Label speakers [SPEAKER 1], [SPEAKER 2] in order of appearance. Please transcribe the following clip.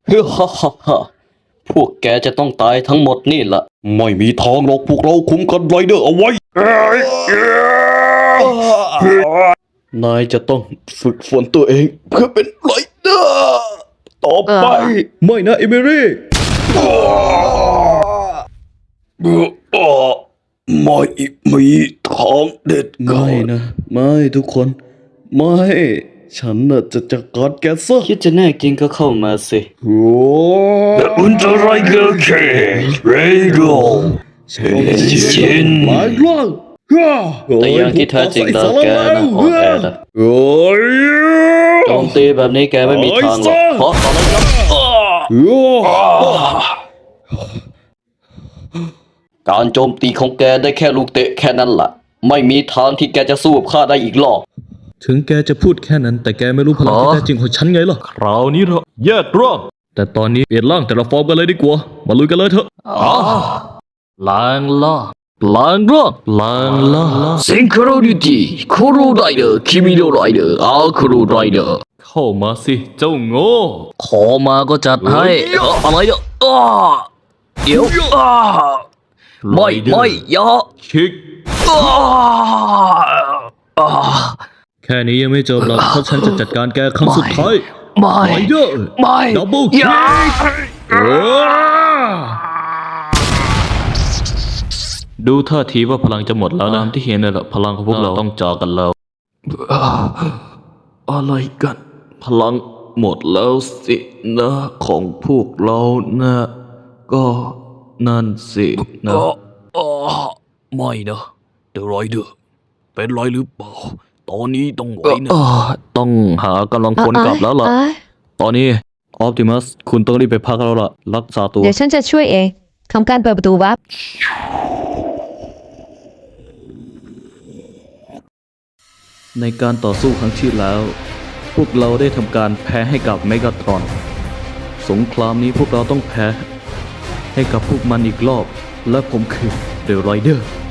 [SPEAKER 1] เฮ้ฮ่าฮ่าฮ่าพวกแกจะต้องตายทั้งหมดนี่ละไม่มีทางหรอกพวกเราคุมกันไรเดอร์เอาไว้นายจะต้องฝึกฝนตัวเองเพื่อเป็นไรเดอร์ต่อไปไม่นะเอมิลี่ไม่มีทางเด็ดขาดไม่นะไม่ทุกคนไม่ฉันน่ะจะจัดการแกซะคิดจะแน่จริงก็เข้ามาสิโอ้อุลตร้าไรเกอร์เคเรโดชินหลายครั้งแต่อย่างที่แท้จริงแล้วแกนะอ่อนแอนะโจมตีแบบนี้แกไม่มีทางหรอกเพราะตอนนั้นการโจมตีของแกได้แค่ลูกเตะแค่นั้นล่ะไม่มีทางที่แกจะสู้กับข้าได้อีกหรอก
[SPEAKER 2] ถึงแกจะพูดแค่นั้นแต่แกไม่รู้พลังที่แท้จริงของฉันไงล่ะคราวนี้เราแยกร่างแต่ตอนนี้เปลี่ยนร่างแต่ละฟอร์มกันเลยดีกว่ามาลุยกันเลยเถอะล้างล่างล้างร่างล้างล่าง
[SPEAKER 1] ซิงโครนิตี้โคโรไรเดอร์คิมิโนไรเดอร์อาคุโรไรเดอร์
[SPEAKER 2] เข้ามาสิเจ้าโง่
[SPEAKER 1] ขอมาก็จัดให้อะไรเนี่ยเดี๋ยวไม่อย่า
[SPEAKER 2] คิกแค่นี้ยังไม่จบหรอกเพราะฉันจะจัดการแกครั้งสุดท้าย
[SPEAKER 1] ไม่
[SPEAKER 2] เดอร์ดับเบิลคิกดูท่าทีว่าพลังจะหมดแล้วนะที่เห็นน่ะพลังของพวกเราต้องจอกันแล้วอะไรกันพลังหมดแล้วสินะของพวกเรานะก็นั่นสินะ
[SPEAKER 1] ไม่นะเดอะไรเดอร์เป็นไรหรือเปล่าตอนนี้ต้องไหวนะ
[SPEAKER 2] ต้องหากำลังพลกลับแล้วล่ะตอนนี้ออปติมัสคุณต้องรีบไปพักแล้วล่ะรักษาตัว
[SPEAKER 3] เดี๋ยวฉันจะช่วยเองทำการเปิดประตูวับ
[SPEAKER 2] ในการต่อสู้ครั้งที่แล้วพวกเราได้ทำการแพ้ให้กับเมกาทรอนสงครามนี้พวกเราต้องแพ้ให้กับพวกมันอีกรอบและผมคือเดอะไรเดอร์